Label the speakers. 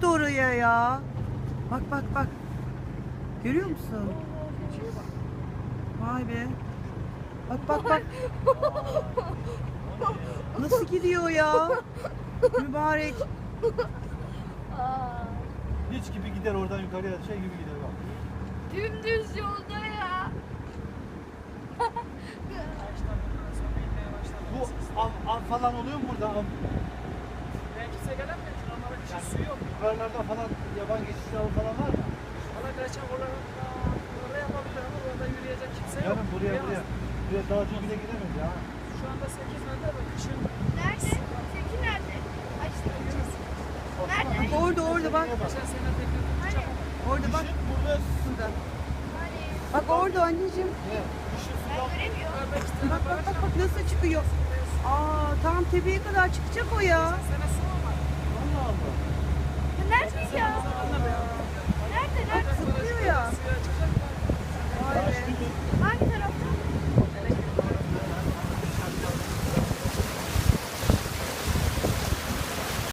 Speaker 1: çıktı oraya ya. Bak bak bak. Görüyor musun? Vay be. Bak bak bak. Nasıl gidiyor ya? Mübarek.
Speaker 2: Hiç gibi gider oradan yukarıya şey gibi gider bak.
Speaker 3: Dümdüz yolda ya.
Speaker 2: Bu av falan oluyor mu burada?
Speaker 4: Ben kimse gelemiyor. Normalde bir şey su yok.
Speaker 2: Yukarılarda falan yaban geçiş avı falan var mı?
Speaker 4: Valla kaçak orada yapabilir ama orada yürüyecek kimse yok.
Speaker 2: Yarın buraya
Speaker 4: Yürüyemez.
Speaker 2: buraya dağcı bile gidemeyiz ya.
Speaker 4: Şu anda 8 metre ve kışın
Speaker 3: Nerede? Zeki nerede? Ay işte. Nerede?
Speaker 1: Orada orada bak.
Speaker 4: geçen sene tekrar tutacak.
Speaker 1: Orada bak.
Speaker 2: Kışın burada
Speaker 1: Burada.
Speaker 3: Hani
Speaker 1: Bak orada anneciğim.
Speaker 2: kışın
Speaker 3: ben
Speaker 2: sudan
Speaker 3: göremiyorum.
Speaker 4: Orada iki tane
Speaker 1: Bak bak
Speaker 4: baraj
Speaker 1: bak
Speaker 4: var.
Speaker 1: bak nasıl çıkıyor. Aa tam tepeye kadar çıkacak o ya.
Speaker 4: Sene su olmadı.
Speaker 2: Allah Allah.
Speaker 3: Nerede ya?